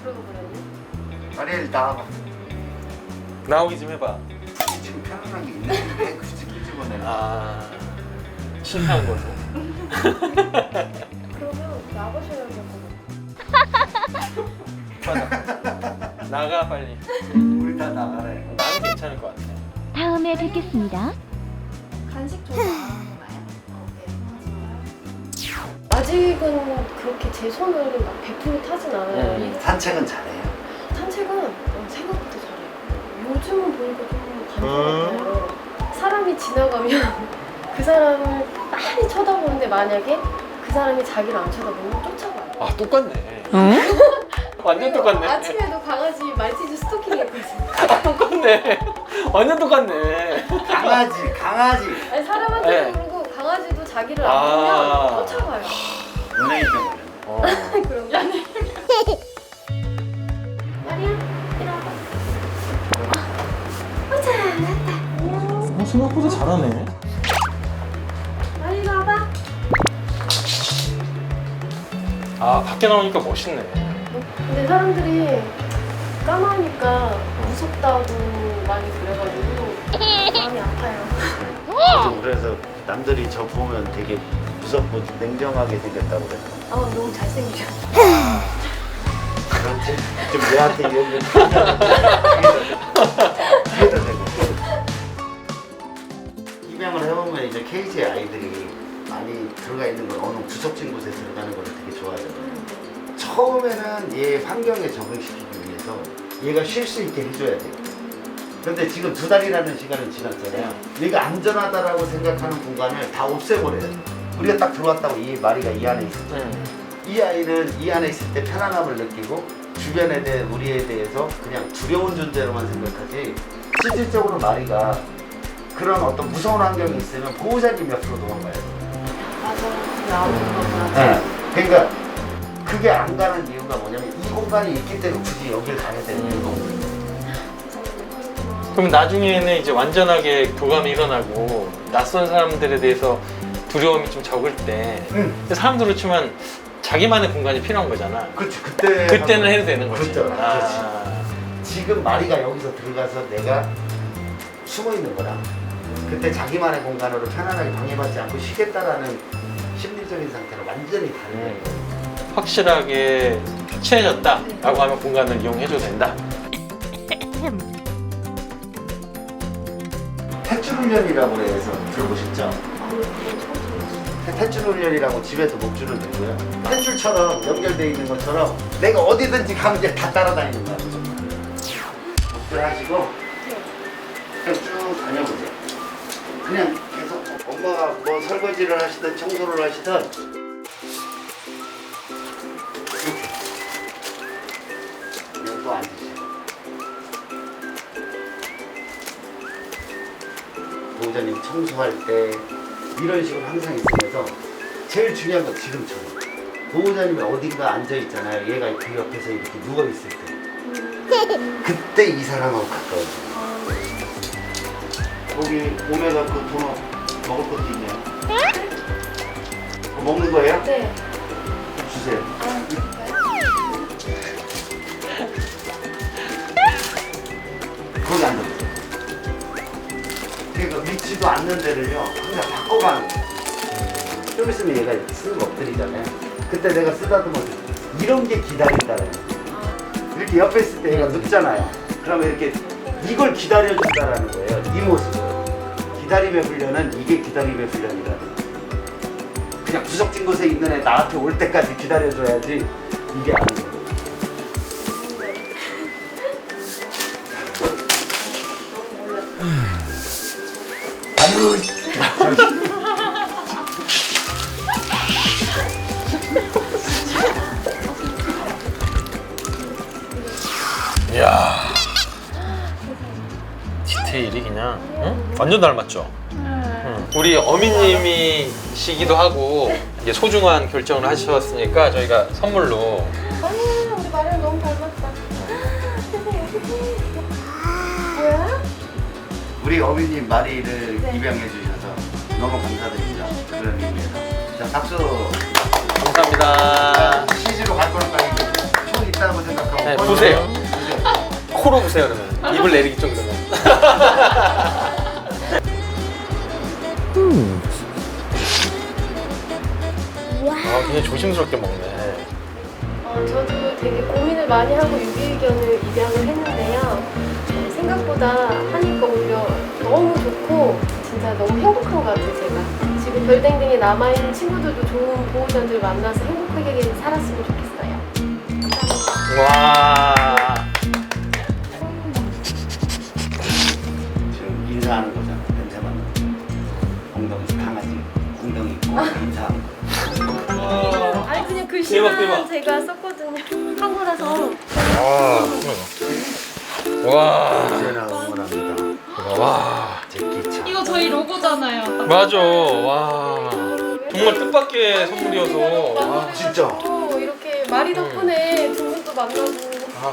그러고 그랬네. 마리엘 나와봐. 나오기 좀 해봐. 굳이 지금 편안한 게 있는데 왜 굳이 끄집어내는 거야? 아, 실패한 걸로. 그러면 나가셔야 될 것 같아. 나가 빨리. 우리 다 나가래. 나는 괜찮을 것 같아. 다음에 뵙겠습니다. 간식 좀 나가나요? 아직은 그렇게 제 손을 막 100% 타진 않아요. 이거 산책은 잘해요. 산책은 생각보다 잘해요. 요즘은 보니까 좀 관심 같아요. 사람이 지나가면 그 사람을 많이 쳐다보는데 만약에 그 사람이 자기를 안 쳐다보면 쫓아가요. 아, 똑같네. 완전 그리고 똑같네. 아침에도 강아지 말티즈 스토킹 했거든요. 똑같네. 완전 똑같네. 강아지. 아니 사람한테도 네. 그러고 강아지도 자기를 아. 안 보면 쫓아가요. 연예인병 걸렸네. 어. 그럼 연애. 마리아, 이리 와봐. 잘났다. 생각보다 잘하네. 마리아 와봐. 아, 밖에 나오니까 멋있네. 근데 사람들이 까마니까 무섭다고 많이 그래가지고 마음이 아파요. 저도 그래서 남들이 저 보면 되게 무섭고 냉정하게 생겼다고 그래서. 아 너무 잘생기셨어. 그렇지. 좀 얘한테 여기 뒤에다 대고. 입양을 해보면 이제 케이지에 아이들이 많이 들어가 있는 걸 어느 구석진 곳에 들어가는 걸 되게 좋아하잖아요. 처음에는 얘 환경에 적응시키기 위해서 얘가 쉴 수 있게 해줘야 돼요. 근데 지금 2달이라는 시간이 지났잖아요. 얘가 안전하다라고 생각하는 공간을 다 없애버려요. 우리가 딱 들어왔다고 이 마리가 이 안에 있을 때 이 아이는 이 안에 있을 때 편안함을 느끼고 주변에 대해 우리에 대해서 그냥 두려운 존재로만 생각하지 실질적으로 마리가 그런 어떤 무서운 환경이 있으면 보호자님 옆으로 도망가야 돼요. 맞아. 나오는 거구나. 그러니까 그게 안 가는 이유가 뭐냐면 이 공간이 있기 때문에 굳이 여길 가야 되는 이유가 없는 거예요. 그럼 나중에는 이제 완전하게 교감이 일어나고 낯선 사람들에 대해서 두려움이 좀 적을 때 근데 사람들로 치면 자기만의 공간이 필요한 거잖아. 그렇지. 그때는 해도 되는 거지. 그렇죠. 아. 지금 마리가 여기서 들어가서 내가 숨어 있는 거랑 그때 자기만의 공간으로 편안하게 방해받지 않고 쉬겠다라는 심리적인 상태는 완전히 다른 거예요. 확실하게 친해졌다라고 하면 공간을 이용해줘도 된다. 탯줄 훈련이라고 해서 들어보셨죠? 탯줄 훈련이라고 집에서 목줄을 들고요. 탯줄처럼 연결되어 있는 것처럼 내가 어디든지 가면 이제 다 따라다니는 거야. 목줄 하시고 그냥 쭉 다녀보세요. 그냥 계속 엄마가 뭐 설거지를 하시든 청소를 하시든 이렇게 여기 또 앉으시고 보호자님 청소할 때 이런 식으로 항상 있으면서 제일 중요한 건 지금처럼 보호자님이 어딘가 앉아 있잖아요. 얘가 그 옆에서 이렇게 누워 있을 때 그때 이 사람하고 가까워져요. 거기 오메가 그 도넛 먹을 것도 있네요. 그거 먹는 거예요? 네. 주세요. 아, 거기 앉아보세요. 그러니까 위치도 앉는 데를요 항상 바꿔가는 거예요. 좀 있으면 얘가 이렇게 쓰는 엎드리잖아요. 그때 내가 쓰다듬어 이런 게 기다린다는 거예요. 이렇게 옆에 있을 때 얘가 눕잖아요. 그러면 이렇게 이걸 기다려준다라는 거예요. 이 모습을. 기다림의 훈련은 이게 기다림의 훈련이라는 거예요. 그냥 구석진 곳에 있는 애 나한테 올 때까지 기다려줘야지 이게 아니에요. 아유, 이야, 디테일이 그냥 응? 완전 닮았죠? 응. 우리 어미님이시기도 하고 이게 소중한 결정을 하셨으니까 저희가 선물로 아, 우리 마리아 너무 닮았다. 뭐야? 우리 어머님 마리를 네. 입양해 주셔서 너무 감사드립니다. 그런 의미에서. 자, 박수. 감사합니다. CG로 갈 거니까 이거 총이 있다고 생각하고 네, 꺼내세요. 보세요. 코로 보세요 그러면. 입을 내리기 좀 그러면. 아, 굉장히 조심스럽게 먹네. 저도 되게 고민을 많이 하고 유기견을 입양을 했는데요. 생각보다 하니까 오히려 너무 좋고 진짜 너무 행복한 것 같아요. 제가 지금 별댕댕이 남아있는 친구들도 좋은 보호자들 만나서 행복하게 살았으면 좋겠어요. 감사합니다. 와. 지금 인사하는 거잖아. 냄새 맡는 엉덩이 강아지 엉덩이 있고 인사하는 거. 아니 그냥 글씨만 대박. 제가 썼거든요. 한거라서. 와. 언제나 응원합니다. 와. 제끼차. 이거 저희 로고잖아요. 맞아. 와. 정말 뜻밖의 선물이어서. 와. 진짜. 이렇게 마리 덕분에 두 분도 만나고. 아,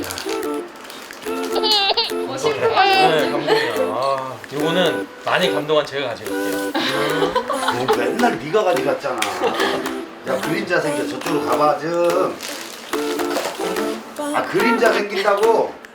심쿵하시는 감동이야. 아, 이거는 많이 감동한 제가 가져갈게요. 너 맨날 네가 가져갔잖아. 야 그림자 생겨 저쪽으로 가봐 좀. 아 그림자 생긴다고.